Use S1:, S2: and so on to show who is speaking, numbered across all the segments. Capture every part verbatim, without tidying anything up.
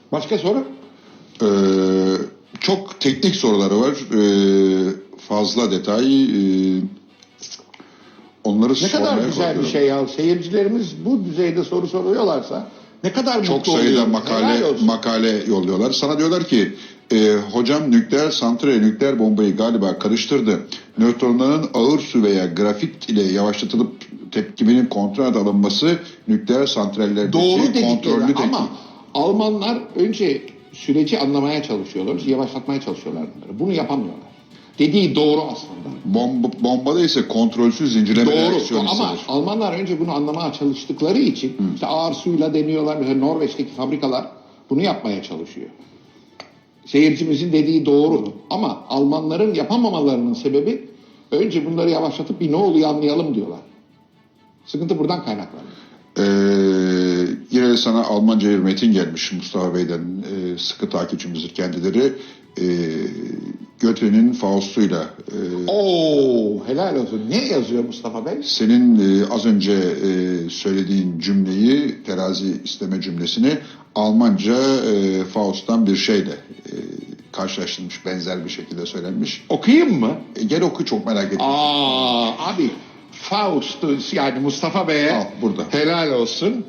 S1: Başka soru?
S2: Ee, çok teknik soruları var. Ee, fazla detay. Ee, onları
S1: Ne kadar
S2: sormaya
S1: güzel bir
S2: korkuyorum.
S1: şey ya. Seyircilerimiz bu düzeyde soru soruyorlarsa ne kadar
S2: Çok
S1: mutlu
S2: sayıda
S1: oluyoruz.
S2: makale
S1: Helal olsun.
S2: makale yolluyorlar. Sana diyorlar ki e, hocam nükleer santrale nükleer bombayı galiba karıştırdı. Nötronların ağır su veya grafit ile yavaşlatılıp tepkiminin kontrol altına alınması nükleer santrallerdeki
S1: Doğru
S2: kontrollü
S1: dedikleri
S2: tepki.
S1: ama Almanlar önce süreci anlamaya çalışıyorlar, yavaşlatmaya çalışıyorlar bunları. Bunu yapamıyorlar. Dediği doğru aslında.
S2: Bomba, bombada ise kontrolsüz zincirleme reaksiyon
S1: Doğru ama
S2: hissedilir.
S1: Almanlar önce bunu anlamaya çalıştıkları için işte ağır suyla deniyorlar. Mesela Norveç'teki fabrikalar bunu yapmaya çalışıyor. Seyircimizin dediği doğru ama Almanların yapamamalarının sebebi önce bunları yavaşlatıp bir ne oluyor anlayalım diyorlar. Sıkıntı buradan kaynaklanıyor.
S2: Ee, yine sana Almanca bir metin gelmiş Mustafa Bey'den. Ee, sıkı takipçimizdir kendileri. Ee, Goethe'nin Faust'uyla e,
S1: Oo, helal olsun. Ne yazıyor Mustafa Bey?
S2: senin e, az önce e, söylediğin cümleyi, terazi isteme cümlesini Almanca e, Faust'tan bir şeyle e, karşılaştırmış, benzer bir şekilde söylenmiş.
S1: Okuyayım mı?
S2: E, gel oku, çok merak ettim.
S1: Aa, abi Faust yani Mustafa Bey'e
S2: Al, burada.
S1: helal olsun.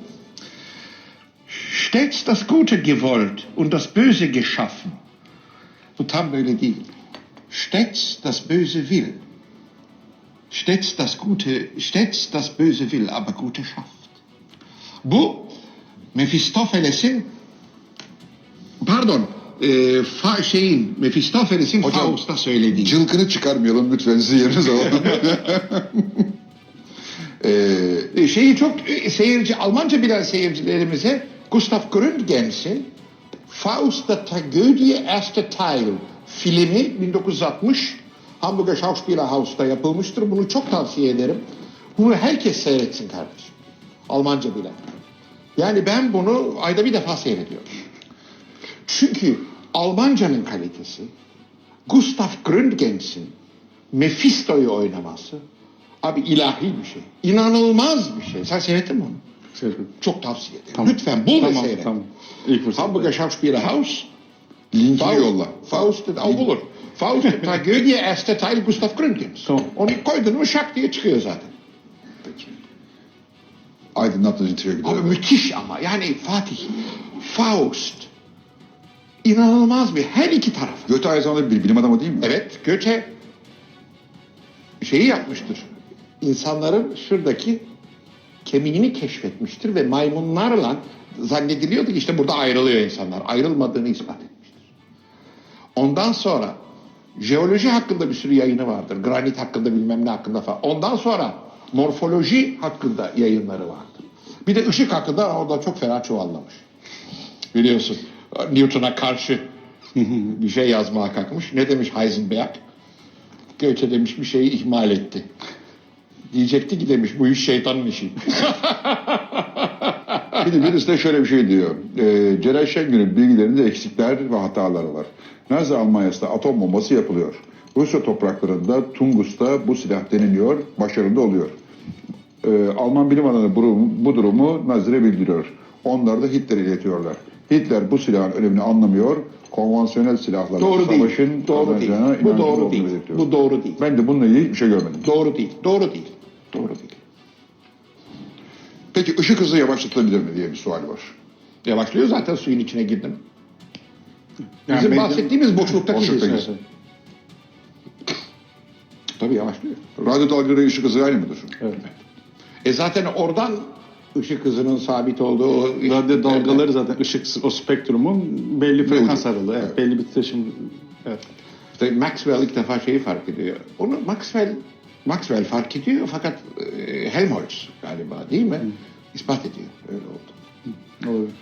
S1: Stets das Gute gewollt und das Böse geschaffen. Bu tam böyle değil. Stets das Böse will. Stets das Gute, stets das Böse will, aber Gute schafft. Bu Mephistopheles'in pardon e, fa, şeyin Mephistopheles'in
S2: Hocam,
S1: Faust'a söylediği.
S2: Cılkını çıkarmayalım lütfen, sizi yerinize alalım. ee,
S1: E, şeyi çok e, seyirci Almanca bilen seyircilerimize Gustav Gründgens'in Faust der Tragödie erste Teil filmi bin dokuz yüz altmış Hamburger Schauspielerhaus'ta yapılmıştır. Bunu çok tavsiye ederim. Bunu herkes seyretsin kardeşim. Almanca bilen. Yani ben bunu ayda bir defa seyrediyorum. Çünkü Almancanın kalitesi, Gustav Gründgens'in Mephisto'yu oynaması abi ilahi bir şey. İnanılmaz bir şey. Sen seyrettin mi onu?
S3: Seyrettim.
S1: Çok tavsiye ederim.
S3: Tamam.
S1: Lütfen bul ve
S3: Tamam,
S1: seyret.
S3: tamam. İlk fırsatta.
S1: Hamburger Schauspielerhaus.
S2: linkini
S1: Faust,
S2: yolla.
S1: Faust, o bulur. Faust, Tragödie, erste Teil Gustav Gründgens.
S3: Tamam.
S1: Onu koydun mu şak diye çıkıyor zaten.
S2: Peki. Aydınlattığınız için teşekkür
S1: Abi
S2: ederim.
S1: müthiş ama yani Fatih, Faust inanılmaz bir her iki tarafı.
S2: Goethe aynı zamanda bir bilim adamı değil mi?
S1: Evet, Goethe şeyi yapmıştır. İnsanların şuradaki kemiğini keşfetmiştir ve maymunlarla zannediliyordu ki işte burada ayrılıyor insanlar. Ayrılmadığını ispat etmiştir. Ondan sonra jeoloji hakkında bir sürü yayını vardır. Granit hakkında bilmem ne hakkında falan. Ondan sonra morfoloji hakkında yayınları vardır. Bir de ışık hakkında orada çok fena çuvallamış. Biliyorsun Newton'a karşı bir şey yazmaya kalkmış. Ne demiş Heisenberg? Goethe demiş bir şeyi ihmal etti. Diyecekti ki demiş bu iş şeytanın işi.
S2: Bir de birisi de şöyle bir şey diyor. E, Celal Şengör'ün bilgilerinde eksikler ve hataları var. Nazi Almanya'sında atom bombası yapılıyor. Rusya topraklarında Tungus'ta bu silah deniliyor, başarılı oluyor. E, Alman bilim adamı bu, bu durumu Nazire bildiriyor. Onlar da Hitler'e iletiyorlar. Hitler bu silahın önemini anlamıyor. Konvansiyonel silahlarla
S1: Doğru değil.
S2: savaşın
S1: Doğru değil.
S2: kazanacağına
S1: Bu
S2: inancı
S1: doğru
S2: olduğunu
S1: değil.
S2: belirtiyor.
S1: Bu doğru değil.
S2: Ben de bununla ilgili hiçbir şey görmedim.
S1: Doğru değil. Doğru değil. Doğru değil.
S2: Peki ışık hızı yavaşlatılabilir mi diye bir sual var.
S1: Yavaşlıyor zaten suyun içine girdim.
S3: Yani
S1: Bizim
S3: medya-
S1: bahsettiğimiz boşluktaki
S2: Boşluktaki
S1: hız.
S2: hız.
S1: Tabii yavaşlıyor.
S2: Radyo dalgaları ışık hızı aynı mıdır?
S3: Evet.
S1: E zaten oradan ışık hızının sabit olduğu o
S3: Radyo dalgaları zaten ışık o spektrumun belli frekans aralığı. Evet,
S2: Evet.
S3: belli bir titreşim. Evet.
S1: İşte Maxwell ilk defa şeyi fark ediyor. Onu Maxwell Maxwell fark ediyor fakat e, Helmholtz galiba değil mi? İspat ediyor. Öyle oldu.
S3: Olabilir.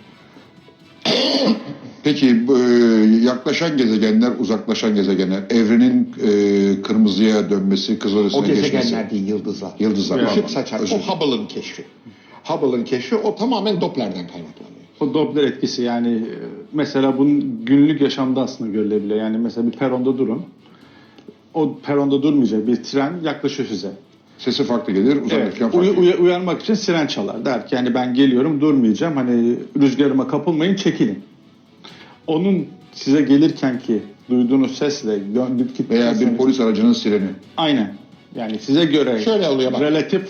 S2: Peki bu, e, yaklaşan gezegenler, uzaklaşan gezegenler, evrenin e, kırmızıya dönmesi,
S1: O
S2: kızılötesine geçmesi.
S1: gezegenler değil yıldızlar.
S2: Yıldızlar,
S1: Işık
S2: pardon.
S1: saçar.
S2: Özür
S1: O Hubble'ın keşfi. Hubble'ın keşfi o tamamen Doppler'den kaynaklanıyor.
S3: O Doppler etkisi yani e, mesela bunun günlük yaşamda aslında görülebiliyor. Yani mesela bir peronda durun. O peronda durmayacak bir tren yaklaşıyor size.
S2: Sesi farklı gelir,
S3: Evet,
S2: uzaklaşan farklı
S3: uy-
S2: gelir.
S3: uy- uyarmak için siren çalar. Der ki yani ben geliyorum durmayacağım. Hani rüzgarıma kapılmayın çekilin. onun size gelirken ki duyduğunuz sesle döndük ki
S2: Veya bir polis aracının sireni.
S3: aynen. Yani size göre
S1: Şöyle oluyor bak.
S3: relatif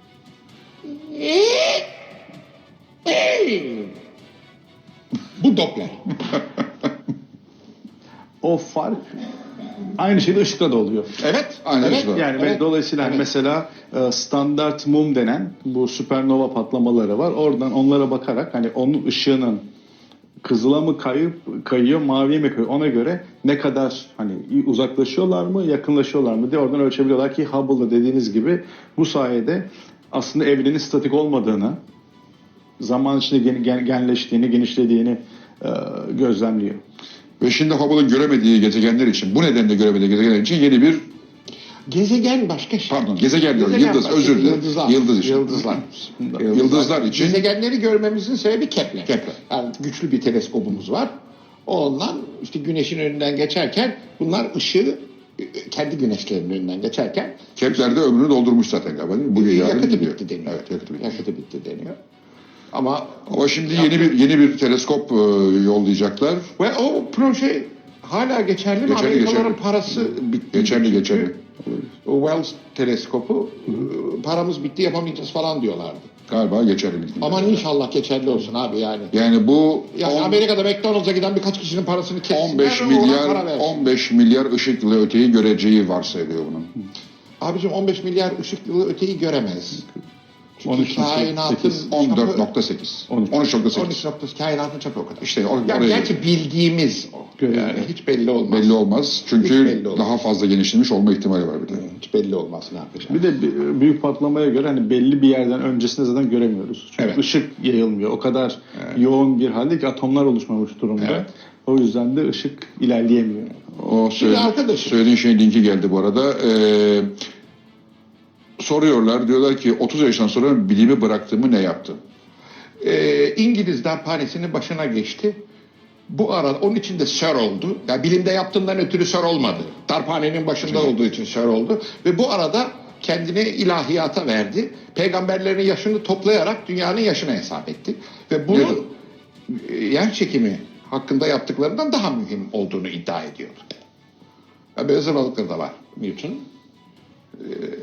S1: Bu Doppler.
S3: o fark aynı şeyde ışıkta da oluyor.
S1: Evet.
S2: Aynen
S1: evet.
S2: öyle.
S3: Yani
S1: Evet.
S3: dolayısıyla hani
S1: Evet.
S3: mesela e, standart mum denen bu süpernova patlamaları var. Oradan onlara bakarak hani onun ışığının kızıla mı kayıp kayıyor, maviye mi kayıyor ona göre ne kadar hani uzaklaşıyorlar mı, yakınlaşıyorlar mı diye oradan ölçebiliyorlar ki Hubble'da dediğiniz gibi bu sayede aslında evrenin statik olmadığını, zaman içinde gen- gen- genleştiğini, genişlediğini e, gözlemliyor.
S2: Ve şimdi Hubble'ın göremediği gezegenler için, bu nedenle göremediği gezegenler için yeni bir,
S1: Gezegen başka şey.
S2: pardon gezegen diyorum,
S1: Gezegen
S2: yıldız,
S1: başka,
S2: özür dilerim.
S1: Yıldızlar.
S2: Yıldız için.
S1: Yıldızlar.
S2: Yıldızlar için.
S1: Gezegenleri görmemizin sebebi Kepler.
S2: Kepler.
S1: Yani güçlü bir teleskopumuz var. Ondan işte güneşin önünden geçerken bunlar ışığı kendi güneşlerinin önünden geçerken
S2: Kepler'de ömrünü doldurmuş zaten galiba değil mi? Bu yarın
S1: yakıtı
S2: gidiyor.
S1: bitti deniyor.
S2: Evet, yakıtı bitti.
S1: Yakıtı bitti deniyor. Ama
S2: Ama şimdi yeni bir yeni bir teleskop e, yollayacaklar.
S1: ve o proje hala geçerli mi?
S2: Geçerli,
S1: Amerikalıların
S2: geçerli.
S1: parası bitti.
S2: Geçerli,
S1: Çünkü
S2: geçerli.
S1: O Wells teleskopu paramız bitti yapamayacağız falan diyorlardı.
S2: Galiba geçerli bildiğim
S1: Aman
S2: kadarıyla.
S1: inşallah geçerli olsun abi yani.
S2: Yani bu
S1: Yani
S2: on-
S1: Amerika'da McDonald's'a giden birkaç kişinin parasını kessinler.
S2: on beş
S1: ona para
S2: milyar
S1: versin.
S2: on beş milyar ışık yılı öteyi göreceği varsayılıyor bunun.
S1: Abicim on beş milyar ışık yılı öteyi göremez. Çünkü
S3: on üç nokta
S1: kainatın
S3: sekiz.
S2: on dört
S1: çapı-
S2: nokta sekiz.
S3: on üç.
S2: on üç nokta
S1: on
S2: sekiz.
S1: üç nokta kainatın çapı o kadar.
S2: İşte or-
S1: Ya
S2: oraya
S1: gerçi bildiğimiz o.
S3: Görüyorum.
S1: Yani hiç belli olmaz.
S2: belli olmaz. Çünkü
S1: Hiç belli olmaz.
S2: daha fazla genişlemiş olma ihtimali var bir de.
S1: Hiç belli olmaz ne yapacağız.
S3: Bir de bi- büyük patlamaya göre hani belli bir yerden öncesinde zaten göremiyoruz. Çünkü
S1: Evet.
S3: ışık yayılmıyor. O kadar yoğun bir halde ki atomlar oluşmamış durumda.
S1: Evet.
S3: O yüzden de ışık ilerleyemiyor.
S2: O söyle,
S1: arkadaşım-
S2: söylediğin şeyin linki geldi bu arada. Ee, soruyorlar, diyorlar ki otuz yaşından sonra bilimi bıraktığımı ne yaptım?
S1: Ee, İngiliz darphanesinin başına geçti. Bu arada onun için de Sir oldu. Yani bilimde yaptığından ötürü Sir olmadı. Darphanenin başında olduğu için Sir oldu. Ve bu arada kendini ilahiyata verdi. Peygamberlerin yaşını toplayarak dünyanın yaşını hesap etti. Ve bunun e, yer çekimi hakkında yaptıklarından daha mühim olduğunu iddia ediyor. Yani böyle zırvalıkları da var Newton. Ee,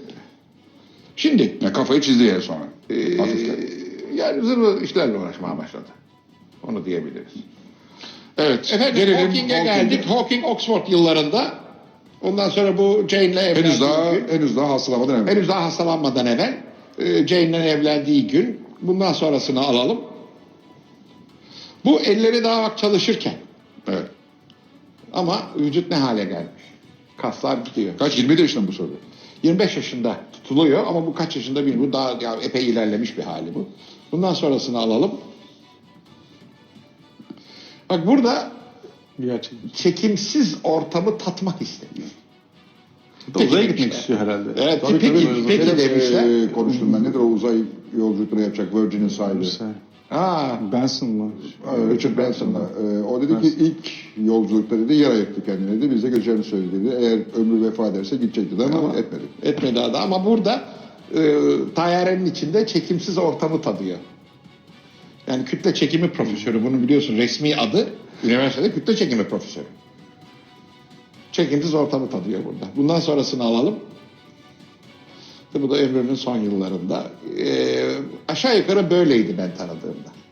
S1: şimdi
S2: Yani kafayı çizdi yani sonra.
S1: Ee,
S2: Hafiften.
S1: yani zırhlı işlerle uğraşmaya başladı. Onu diyebiliriz.
S2: Evet.
S1: Efendim
S2: gelelim
S1: Hawking'e
S2: Hawking'e.
S1: geldik. Hawking Oxford yıllarında. Ondan sonra bu Jane'le evlendiği
S2: Henüz daha
S1: gün.
S2: henüz daha hastalamadan evvel.
S1: Henüz daha hastalanmadan evvel. e, Jane'le evlendiği gün. Bundan sonrasını alalım. Bu elleri daha bak çalışırken.
S2: Evet.
S1: Ama vücut ne hale gelmiş? Kaslar gidiyor.
S2: Kaç? yirmi yedi yaşında mı bu soru?
S1: yirmi beş yaşında tutuluyor ama bu kaç yaşında bilmiyorum. Bu daha ya, epey ilerlemiş bir hali bu. Bundan sonrasını alalım. Bak burada
S3: Gerçekten.
S1: çekimsiz ortamı tatmak istemiyor.
S3: Uzaya
S1: Peki
S3: gitmek
S1: demişler.
S3: istiyor herhalde.
S1: Evet,
S2: Tabii
S1: peki,
S2: tabii.
S1: peki
S2: Benim,
S1: demişler.
S2: e, konuştum ben. Nedir o uzay yolculukları yapacak Virgin'in sahibi?
S1: Aa,
S3: Benson mı?
S2: Ee, Richard Branson'la. Ee, o dedi ki ilk yolculukta dedi yer ayırttı kendine dedi. Biz de göreceğini söyledi dedi. Eğer ömrü vefa ederse gidecek dedi ama
S1: Ama-
S2: etmedi.
S1: etmedi adam ama burada e, tayyarenin içinde çekimsiz ortamı tadıyor. Yani kütle çekimi profesörü, bunu biliyorsun resmi adı üniversitede kütle çekimi profesörü. Çekimsiz ortamı tadıyor burada. Bundan sonrasını alalım. Bu da ömrünün son yıllarında. E, aşağı yukarı böyleydi ben tanıdığımda.